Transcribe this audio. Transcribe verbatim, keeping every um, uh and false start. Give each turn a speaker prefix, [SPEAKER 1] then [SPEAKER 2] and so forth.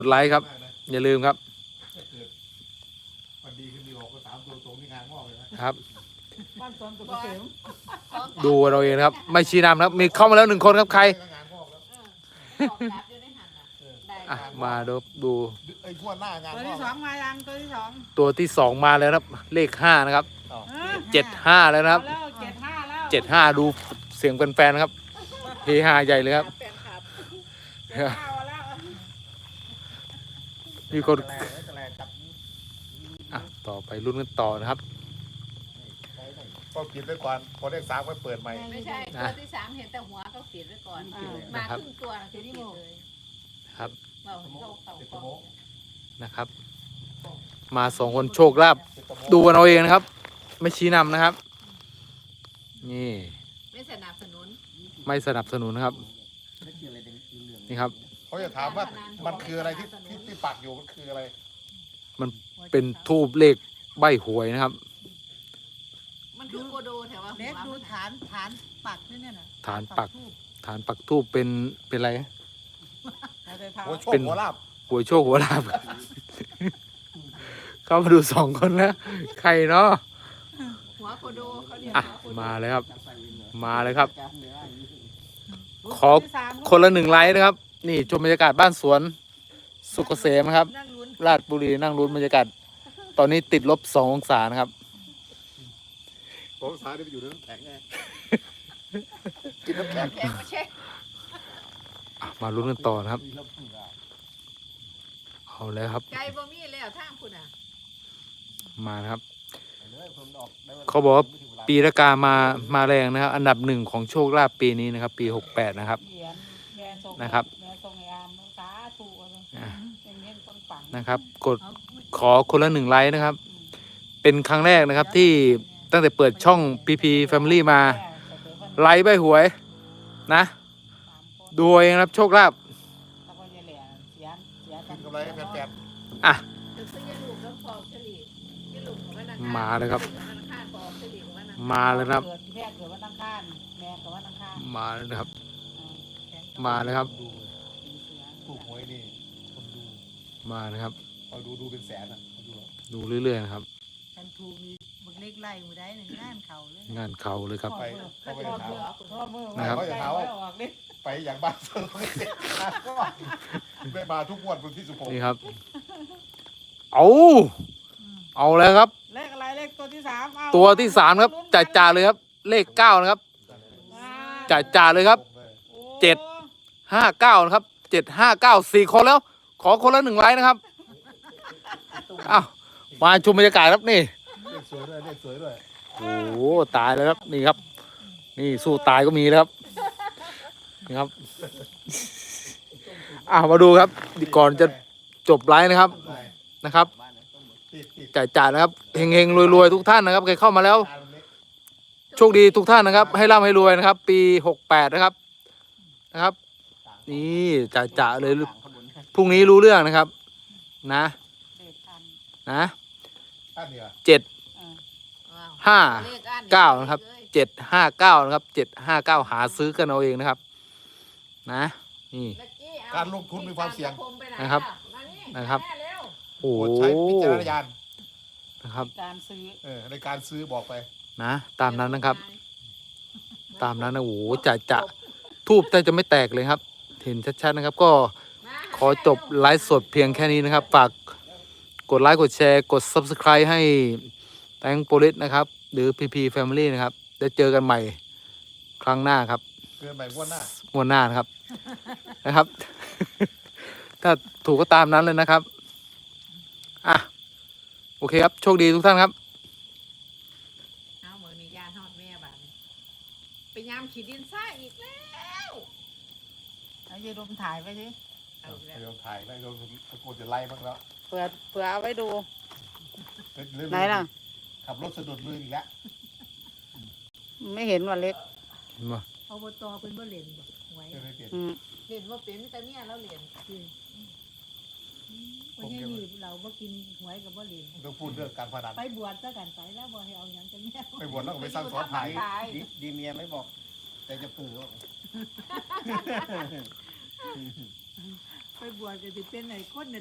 [SPEAKER 1] กดไลค์ครับอย่าลืมครับ
[SPEAKER 2] วันดีขึ้นดีออกก็สามตัวตรงที่งานงอกเลย
[SPEAKER 1] นะครับ
[SPEAKER 3] บ้านสวนสุกเกษม
[SPEAKER 1] ดูเราเองนะครับไม่ชี้นำนะครับมีเข้ามาแล้วหนึ่งคนครับใครอ่ะมาดูดู
[SPEAKER 2] ไอ้พวกหน้างาน
[SPEAKER 3] ตัวที่สองมายังตัวที่สอง
[SPEAKER 1] ตัวที่สองมาแล้วครับเลขห้านะครับเจ็ดห้าแล้วนะครับ
[SPEAKER 3] แล้วเจ็ดห้าแล้ว
[SPEAKER 1] เจ็ดห้าดูเสียงแฟนๆครับเฮฮาใหญ่เลยครับมีคนอ่ะต่อไปรุ่นกันต่อนะครับ
[SPEAKER 2] ก็ปิดไว้ก่อนพอเลขสามก็เปิดใหม่
[SPEAKER 4] ไม่ใช่ตัวที่สามเห็นแต่หัวเขาปิดไว้ก่อนมาครึ่งตัวคือที่หมดเลย
[SPEAKER 1] ครับ
[SPEAKER 4] เราเราเต่าเต่า
[SPEAKER 1] นะครับมาสองคนโชคลาภดูกันเอาเองนะครับไม่ชี้นำนะครับนี่
[SPEAKER 4] ไม่สนับสนุน
[SPEAKER 1] ไม่สนับสนุนนะครับนี่ครับ
[SPEAKER 2] เขาจะถามว่ามันคืออะไรที่ที่ที่ปักอยู่มันคืออะไร
[SPEAKER 1] มันเป็นทูบเลขใบหวยนะครับ
[SPEAKER 4] มันคือโกโดแถวว่า
[SPEAKER 3] เล็กดูฐานฐานปักนี่เนี่ยนะ
[SPEAKER 1] ฐานปักฐานปักทูบเป็นเป็นอะไร
[SPEAKER 2] หัวโชคหัวลาบ
[SPEAKER 1] หัวโชคหัวลาบเข้ามาดูสองคนแล้วใครเนาะ
[SPEAKER 4] หัวโกโดเขาเรียก
[SPEAKER 1] อ่ะมาเลยครับมาเลยครับขอคนละหนึ่งไลค์นะครับนี่ชมบรรยากาศบ้านสวนสุกเกษมครับราชบุรีนั่งลุ้นบรรยากาศตอนนี้ติดลบสององศานะครับ
[SPEAKER 2] สององศาได้ไปอยู่ในน้ำแข็งไงกินน้ำแข็ง
[SPEAKER 4] มาเช็ค
[SPEAKER 1] มาลุ้นกันต่อนะครับเอาเลยครับ
[SPEAKER 4] ไก่บะหมี่เลยอ่ะทางคุณอ่ะ
[SPEAKER 1] มาครับเขาบอกว่าปีละกามามาแรงนะครับอันดับหนึ่งของโชคลาภปีนี้นะครับปีหกแปดนะครับนะครับนะครับกดขอคนละหนึ่งไลค์นะครับเป็นครั้งแรกนะครับที่ตั้งแต่เปิดช่อง พี พี Family มาไลค์ใบหวยนะดูเองครับโชคลาภอ่ะมาเลยครับมาเลยครับมาเลยนะครับมาเลยครับ
[SPEAKER 2] ถูกหวยนี่คนดู
[SPEAKER 1] มาเลยครับ
[SPEAKER 2] คอยดูดูเป็นแสนอ่ะ
[SPEAKER 1] ดูเรื่อยๆนะครับ
[SPEAKER 3] กันถูกมีบักเล็กไล่หมู่ได้หนึ่งงานเข่าเลย
[SPEAKER 1] งานเข่าเลยครับ
[SPEAKER 2] ไปเขาไปถาม
[SPEAKER 1] นะครับ
[SPEAKER 2] เขาจะถามไปอย่างบ้านเซอร์ไม่เสร็จก็ไม่มาทุกวันวันที่สิบหก
[SPEAKER 1] นี่ครับเอาเอาแล้วครับ
[SPEAKER 3] เลขอะไรเลขตัวที่สาม
[SPEAKER 1] ตัวที่สามครับจ่าจ่าเลยครับเลขเก้านะครับจ่าจ่าเลยครับเจ็ดห้าเก้านะครับเจ็ดห้าเก้าสี่คนแล้วขอคนละหนึ่งไลค์นะครับอ้าวมาชมบรรยากาศครับนี่
[SPEAKER 2] เลขสวยด้วยเลขสวยด้วย
[SPEAKER 1] โอ้โหตายแล้วครับนี่ครับนี่สู้ตายก็มีแล้วครับนี่ครับอ้าวมาดูครับก่อนจะจบไลฟ์นะครับนะครับจ่ายจ่ายนะครับเฮงเฮงรวยรวยทุกท่านนะครับใครเข้ามาแล้วโชคดีทุกท่านนะครับให้ร่ำให้รวยนะครับปีหกแปดนะครับนะครับนี่จ่ายจ่ายเลยพรุ่งนี้รู้เรื่องนะครับนะนะเจ็ดห้าเก้านะครับเจ็ดห้าเก้านะครับเจ็ดห้าเก้าหาซื้อกันเอาเองนะครับนะนี่
[SPEAKER 2] การลงทุนมีความเสี่ยง
[SPEAKER 1] นะครับนะครับโอ้
[SPEAKER 2] ใช้พิจารณญาณ
[SPEAKER 1] นะครับ
[SPEAKER 3] การซื้อ
[SPEAKER 2] เออในการซื้อบอกไป
[SPEAKER 1] นะตามนั้นนะครับตามนั้นนะโอ้โหจะจะทูบแต่จะไม่แตกเลยครับเห็นชัดๆนะครับก็ขอจบไลฟ์สดเพียงแค่นี้นะครับฝากกดไลค์กดแชร์กด ซับสไครบ์ ให้แตงโปลิสนะครับหรือ พี พี Family นะครับจะเจอกันใหม่ครั้งหน้าครับ
[SPEAKER 2] เจอใหม่งวดหน้
[SPEAKER 1] างวดหน้านะครับนะครับถ้าถูกก็ตามนั้นเลยนะครับอ่ะโอเคครับโชคดีทุกท่านครับ
[SPEAKER 4] เอาเหมือนมียาทอดแม่บ้านไปยามขีดดินซ่าอีกแล้ว
[SPEAKER 3] เอาเยดมถ่ายไปสิ
[SPEAKER 2] เอาเยดมถ่ายแล้วโดนตะโกนจะไล่บ้างแล้ว
[SPEAKER 3] เผื่อเผื่อเอาไว้ดูไหนล่ะ
[SPEAKER 2] ขับรถสะดุดมืออีกแล้ว
[SPEAKER 3] ไม่เห็นว่าเล็ก
[SPEAKER 1] มา
[SPEAKER 4] เอาบตอเป็นบ่เล่นบ่หวยเล่นว่าเป็นแต่เมียแล้วเล่นคนนี้นี่เราบ่กินหวยกับบ่เล่น
[SPEAKER 2] ต้องพูดเรื่องการพนัน
[SPEAKER 4] ไปบวชซะกันไปแล้วบ่ให้เอาหยังจะเมีย
[SPEAKER 2] ไปบวชแล้วก็ไปสร้างสอนไผ่
[SPEAKER 5] ดีเมียไม่บอกแต่จะปื้อ
[SPEAKER 3] ไปบวชก็สิเป็นไอ้คน